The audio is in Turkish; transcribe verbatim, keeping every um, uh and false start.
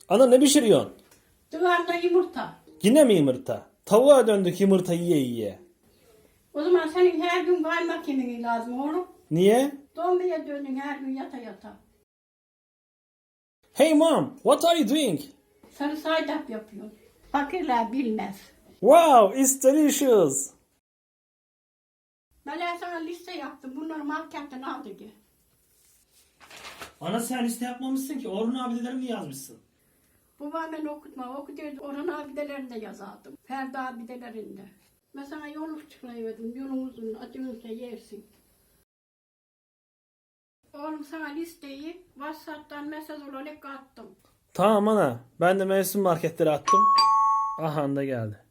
Ana ne pişiriyorsun? Duvarda yumurta. Yine mi yumurta? Tavuğa döndük yumurta yiye yiye. O zaman senin her gün kaymak yemeği lazım oğlum. Niye? Dombaya döndün her gün yata yata. Hey mom, what are you doing? Sarı saydap yapıyorsun. Fakirler bilmez. Wow, it's delicious. Ben sana liste yaptım. Bunları marketten al dedi. Ana sen liste yapmamışsın ki. Orhun abidelerini yazmışsın. Babam ben okutma. Okutuyordu. Orhan abidelerinde yazardım. Ferdi abidelerinde. Ben sana yoluk çıkarıverdim. Yolun uzun. Acınırsa yersin. Oğlum sana listeyi WhatsApp'tan mesaj olarak attım. Tamam ana. Ben de mevsim marketleri attım. Aha da geldi.